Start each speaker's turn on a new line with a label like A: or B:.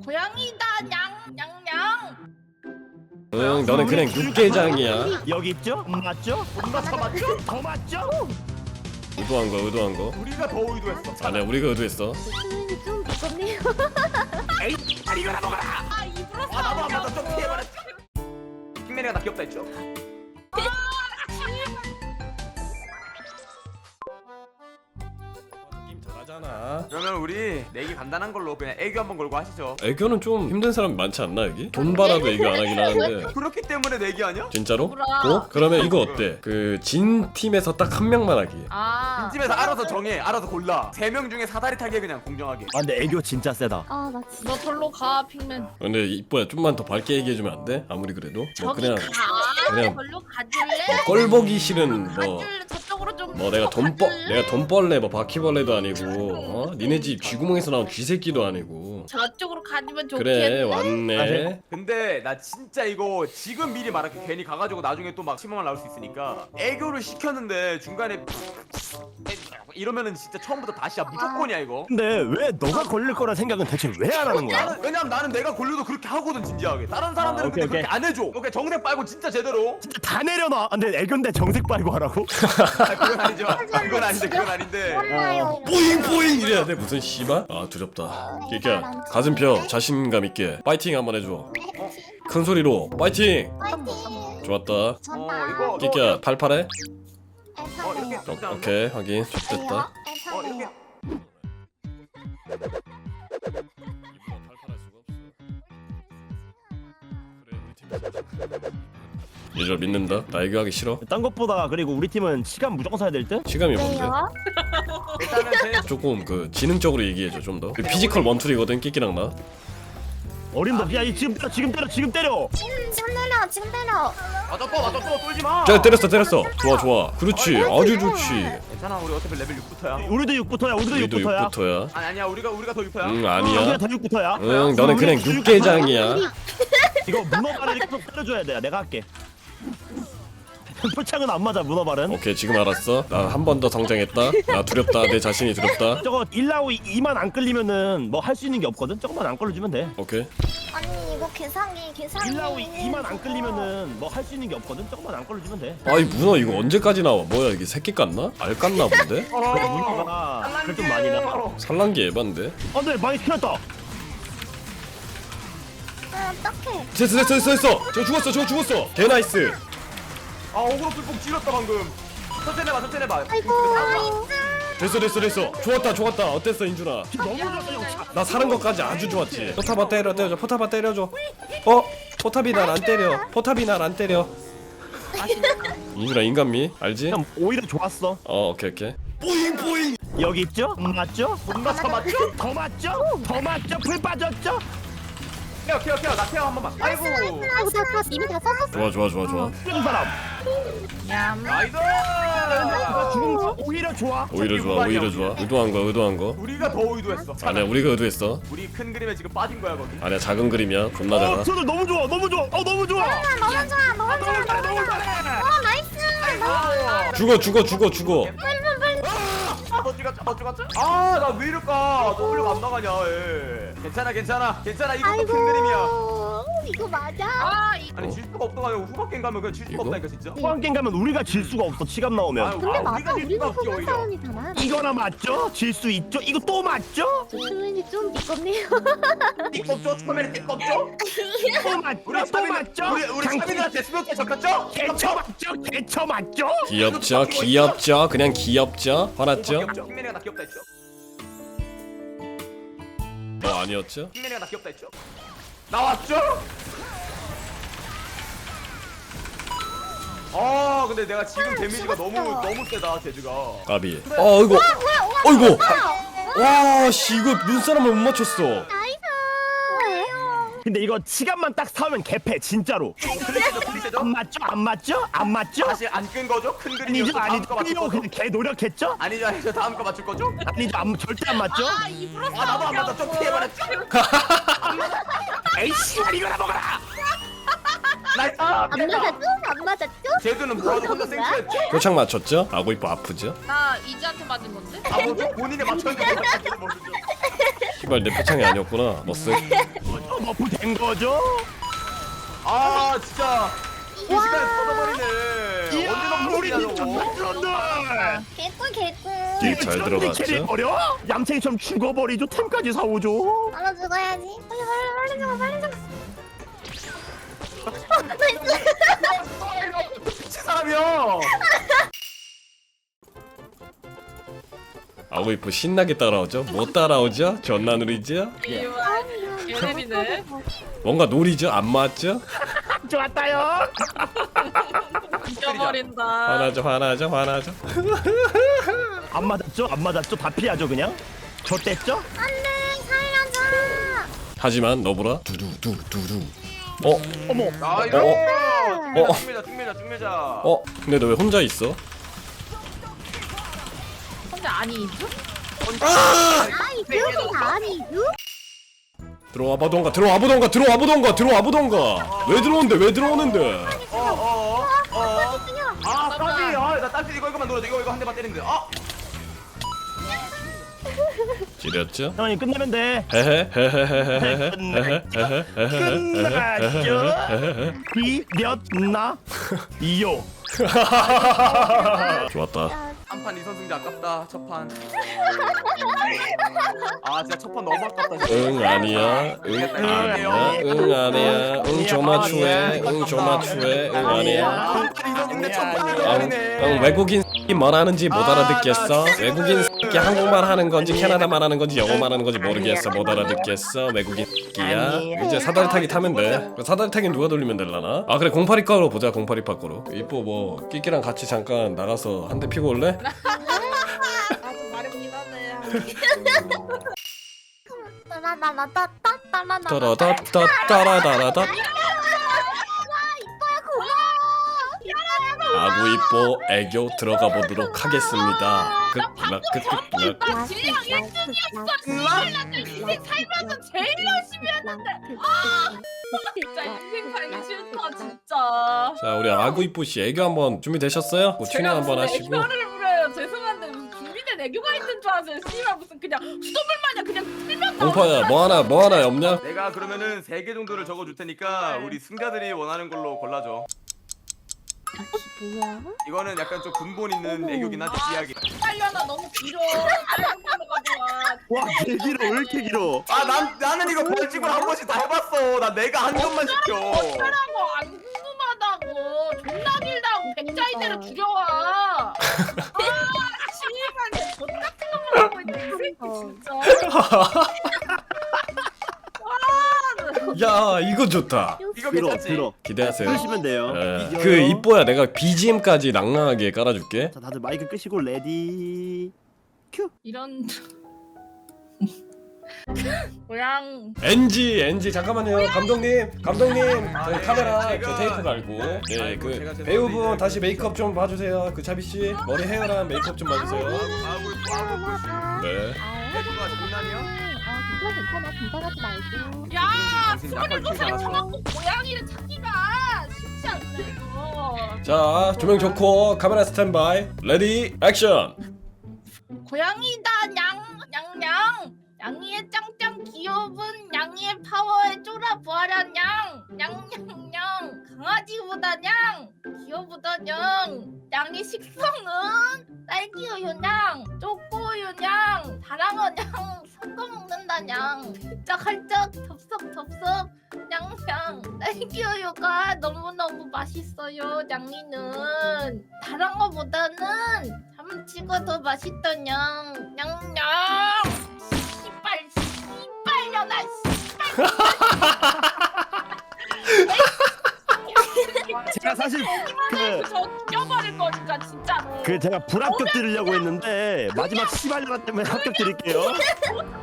A: 고양이다 냥냥냥.
B: 응, 너는 그냥 육개장이야.
C: 여기 있죠? 맞죠?
D: 더 맞죠?
C: 더 맞죠?
B: 의도한 거, 의도한 거.
D: 우리가 더 의도했어.
B: 아니야, 우리가 의도했어.
E: 수민이 좀 무섭네요.
D: 에이, 이거나 먹어라.
A: 아 입으로
D: 아 나도 안 맞아. 좀 피해버렸지. 킹맨이가 나 귀엽다 했죠?
B: 게임 잘하잖아.
D: 그러면 우리 내기 간단한 걸로 그냥 애교 한번 걸고 하시죠.
B: 애교는 좀 힘든 사람이 많지 않나 여기? 돈 받아도 애교 안 하긴 하는데.
D: 그렇기 때문에 내기 아니야?
B: 진짜로?
A: 뭐라.
B: 어? 그러면 이거 어때? 그 진 팀에서 딱 한 명만 하기.
A: 아.
D: 집에서 알아서 정해. 알아서 골라. 3명 중에 사다리 타기 그냥 공정하게.
C: 아 근데 애교 진짜 세다.
E: 아 나 진짜.
A: 너 절로 가 핑맨.
B: 근데 이뻐야 좀만 더 밝게 얘기해주면 안 돼? 아무리 그래도 뭐
A: 저기
B: 그냥
A: 가.
B: 그냥
A: 절로 가줄래?
B: 꼴 보기 싫은
A: 가줄래? 저쪽으로 좀.
B: 뭐 내가 돈벌레 뭐 바퀴벌레도 아니고 어? 니네 집 쥐구멍에서 나온 쥐새끼도 아니고.
A: 저쪽으로 가지면 좋겠네.
B: 그래 왔네.
D: 근데 나 진짜 이거 지금 미리 말할게. 괜히 가가지고 나중에 또 막 실망을 나올 수 있으니까. 애교를 시켰는데 중간에 이러면은 진짜 처음부터 다시야. 무조건이야 이거.
C: 근데 왜 너가 걸릴 거라 생각은 대체 왜 안 하는 거야?
D: 왜냐면 나는 내가 걸려도 그렇게 하거든 진지하게. 다른 사람들은
C: 오케이,
D: 근데 그렇게
C: 오케이.
D: 안 해줘. 오케이 정색 빨고 진짜 제대로.
C: 진짜 다 내려놔. 근데 애교인데 정색 빨고 하라고?
D: 아, 그건 아니죠. 그건 아닌데 그건 아닌데.
E: 몰라요.
B: 뽀잉뽀잉 이래야 돼. 무슨 씨발? 아 두렵다. 끼끼야 가슴 펴. 자신감 있게 파이팅 한번 해줘. 큰 소리로 파이팅. 좋았다.
E: 좋다.
D: 이거
B: 끼끼야 팔팔해?
D: 이렇게
B: 오케이 확인. 됐다.
D: 이렇게
B: 얘들 믿는다. 나 애교하기 싫어.
C: 딴 것보다 그리고 우리 팀은 시간 무조건 써야 될 듯?
B: 시감이 뭔데?
E: 왜요?
D: 일단은 제
B: 조금 그 지능적으로 얘기해줘 좀 더. 그 피지컬 원툴이거든 끼끼랑 나.
C: 어림도 야 지금 때려 지금 때려 지금 때려.
E: 지금 때려 지금 때려.
D: 맞았어 쫄지 마.
B: 자 때렸어. 좋아. 그렇지. 아주 좋지.
D: 괜찮아 우리 어차피 레벨 6부터야.
C: 우리도 6부터야 우리도
B: 우리도
C: 6부터야.
B: 6부터야.
D: 아니야 우리가 더 6부터야.
B: 응
C: 우리가
B: 아니야.
C: 더 6부터야.
B: 응 너는 그냥 육개장이야.
C: 이거 문어발을 계속 때려줘야 돼. 내가 할게. 표창은 안 맞아 문어발은.
B: 오케이 지금 알았어. 나 한 번 더 성장했다. 나 두렵다. 내 자신이 두렵다.
C: 저거 1라우 2만 안 끌리면은 뭐 할 수 있는 게 없거든. 저것만 안 끌려주면 돼.
B: 오케이.
E: 아니 이거 계산기.
C: 1라우 2만 안 끌리면은 뭐 할 수 있는 게 없거든. 저것만 안 끌려주면 돼.
B: 아이 문어 이거 언제까지 나와? 뭐야 이게 새끼 깠나? 알 깠나 본데?
C: 문어가 그걸 좀 많이 나.
B: 산란기 에반데?
C: 안돼 많이 튀었다.
E: 어떡해.
B: 됐어. 저 죽었어. 개 나이스.
D: 아 어그로 불폭 찔렀다 방금. 천천히 해봐.
E: 아이고.
B: 됐어. 좋았다. 어땠어 인준아?
C: 너무 좋았어.
B: 나 사는 것까지 아주 좋았지. 포탑아 때려줘. 포탑아 때려줘. 포탑이 날 안 때려. 인준아 인간미 알지?
C: 그냥 오히려 좋았어.
B: 오케이.
C: 여기 있죠? 맞죠?
D: 존나 더 맞죠?
C: 더 맞죠? 더 맞죠? 불 빠졌죠?
D: 케어 나 케어 한 번만. 아이고.
E: 아이고 다 이미 다 썼었어.
B: 좋아.
C: 죽은 사람.
D: 나이스.
C: 죽은 거 오히려 좋아.
B: 오히려 좋아. 의도한 거.
D: 우리가 더 의도했어.
B: 아니야 우리가 의도했어.
D: 우리 큰 그림에 지금 빠진 거야 거기.
B: 아니야 작은 그림이야. 존나 작아.
C: 저들 너무 좋아. 너무 좋아.
E: 너무 좋아. 나이스.
B: 죽어.
D: 너 죽었죠? 아나 왜 이럴까? W가 안 나가냐? 예. 괜찮아. 이것도 큰 그림이야.
E: 이거 맞아?
D: 아니 질 수가 없다가 후반 게임 가면 그냥 질 수가
B: 이거?
D: 없다니까 진짜.
C: 후반 게임 가면 우리가 질 수가 없어. 치감 나오면.
E: 근데 맞아.
D: 우리가 질
E: 우리는
D: 수가 없지
E: 소금
D: 오히려.
E: 사람이잖아.
C: 이거나 맞죠? 질 수 있죠? 이거 또 맞죠?
E: 수민이 좀 미껍네요.
D: 띠껍죠? 처음에는 띠껍죠?
C: 또 맞죠?
D: 우리
C: 또
D: 차빈
C: 맞죠?
D: 우리 차빈한테 수명께 적혔죠?
C: 개처 맞죠?
B: 귀엽죠. 그냥 귀엽죠. 화났죠?
D: 킹맨이가 나 귀엽다 했죠?
B: 아니었죠?
D: 킹맨이가 나 귀엽다 했죠? 나왔죠? 근데 내가 지금 데미지가 너무 세다 제주가.
B: 까비. 어이구. 와씨 이거 눈사람을 못 맞췄어.
E: 나이스.
C: 근데 이거 치감만 딱 사오면 개패 진짜로.
D: 클리셰죠?
C: 안 맞죠?
D: 다시 안 끈 거죠? 큰 그림이었어.
C: 아니죠.
D: 다음 거 맞출
C: 이거
D: 거죠?
C: 그냥 개 노력했죠?
D: 아니죠. 다음 거 맞출 거죠?
C: 아니죠. 절대 안 맞죠?
A: 입으로
D: 나도 안 맞아. 좀 피해버렸죠?
C: 에이씨 이거나 먹어라.
D: 나이스.
E: 안 맞았죠?
D: 제주는 뭐하고 혼자 생초했죠?
B: 표창 맞췄죠? 아고 이뻐 아프죠?
A: 나 이지한테 맞은 건데?
D: 뭐죠? 본인이 맞췄는데 못 맞췄는지 모르죠.
B: 씨발 내 표창이 아니었구나. 머쓱.
C: 머프 된 거죠?
D: 아 진짜 이 시간에 터져버리네. 언제
C: 우리
D: 넘기냐 저거.
C: 미쳤들.
E: 개꿀 개꿀.
B: 네, 잘 들어갔죠?
C: 캐리 버려? 얌생이처럼 죽어버리죠. 템까지 사오죠.
E: 빨리 죽어야지. 빨리 죽어 빨리 죽어. 나이스.
D: 미친 사람이야.
B: 아고 이뻐 신나게 따라오죠? 뭐 따라오죠? 존나 누리죠?
A: 예림이네.
B: 뭔가 놀이죠? 안 맞죠?
C: 좋았다요.
A: 잊어버린다.
B: 화나죠.
C: 안 맞았죠? 안 맞았죠? 다 피하죠 그냥. 저 뗐죠?
E: 안돼 살려줘.
B: 하지만 너보라 두두두두두.
C: 어머.
D: 아 이거.
B: 어.
D: 중매자.
B: 근데 너 왜 혼자 있어?
A: 혼자 아니죠?
E: 아이 그렇게 아니죠?
B: 들어와 보던가. 왜 들어오는데?
D: 아 까비. 아나 딸기 이거만 노려. 이거 한 대만 때리는데. 아.
B: 지렸죠?
C: 형님 끝내면 돼. 끝났죠? 비렸나? 이요.
B: 좋았다.
D: 한판 2선승제 아깝다. 첫판. 아 진짜 첫판 너무 아깝다. 진짜.
B: 응 아니야. 응 조마 추해. 응 아니야.
D: 한판 2선승제 첫판을 버리네.
B: 외국인 뭘 하는지 못 알아듣겠어. 외국인 한국말 하는 건지 캐나다말 하는 건지 영어말 하는 건지 모르겠어. 못 알아듣겠어. 외국인 야 이제 사다리 타기 타면 돼. 사다리 타기 누가 돌리면 되려나? 아 그래 082과로 보자. 082과 거로. 이뻐 뭐 끼끼랑 같이 잠깐 나가서 한 대 피고 올래?
A: 아주 마렵긴 하네.
B: 따라다따따라다라다. 아구 이뻐 애교 들어가 보도록 하겠습니다.
A: 나 질량 1등이었어. 인생 살면서 제일 열심히 했는데. 진짜 인생 살기 싫다 진짜.
B: 자 우리 아구 이뻐 씨 애교 한번 준비되셨어요? 뭐 튜닝 한번 하시고.
A: 애교를 부려요. 죄송한데 무슨 준비된 애교가 있는 줄 아세요? 씨발 무슨 그냥 수돗물 마냥 그냥 틀면 나오는
B: 공파야 뭐 하나 없냐?
D: 내가 그러면은 3개 정도를 적어줄 테니까 우리 승자들이 원하는 걸로 골라줘.
E: 뭐야?
D: 이거는 약간 좀 근본 있는 애교긴 하지 이야기.
A: 빨려나 너무 길어.
C: 와 길어 왜 이렇게 길어?
D: 아 나는 이거 벌칙을 한 번씩 다 해봤어. 나 내가 한 것만 시켜.
A: 어쩌라고 안 궁금하다고. 존나 길다고 백자이대로 줄여와. 아 씨발 저 같은 것만 하고 있네 이 새끼 진짜.
B: 야 이거 좋다.
D: 이거 괜찮지?
C: 들어.
B: 기대하세요.
C: 끄시면 돼요.
B: 그 이뻐야 내가 BGM까지 낭낭하게 깔아줄게.
C: 자 다들 마이크 끄시고 레디. 큐.
A: 이런 고양
B: NG 잠깐만요 감독님 저희
D: 네,
B: 카메라
D: 제가-
B: 저 테이프 갈고 네
D: 아이고,
B: 그
D: 제가
B: 배우분 다시 메이크업 좀 봐주세요. 그 차비 씨 머리 헤어랑 메이크업 좀 봐주세요. 네.
D: 애교가 장난이야?
E: 괜찮아 긴장하지 말고.
A: 야
D: 당신 약간
A: 27살
D: 키우지
A: 쳐갖고 고양이를 찾기가 쉽지 않네 이거.
B: 자 조명 좋고 카메라 스탠바이 레디 액션.
A: 고양이다 냥냥냥 양이의 짱짱 귀여운 양이의 파워에 쫄아보아라 냥냥냥 강아지보다 냥 귀여보다 양의 식성은 딸기우유 냥 초코우유 냥 다랑어 냥 섞어 먹는다 냥 hal쩍hal쩍 덥석덥석 냥냥 딸기우유가 너무너무 맛있어요 양이는 다랑어보다는 참치가 더 맛있다 냥 냥냥 씨발려나
C: 제가 사실
A: 저 죽여버릴 거니까 진짜로.
C: 그 제가 불합격 드리려고 했는데 마지막 시발려라 때문에 합격 드릴게요.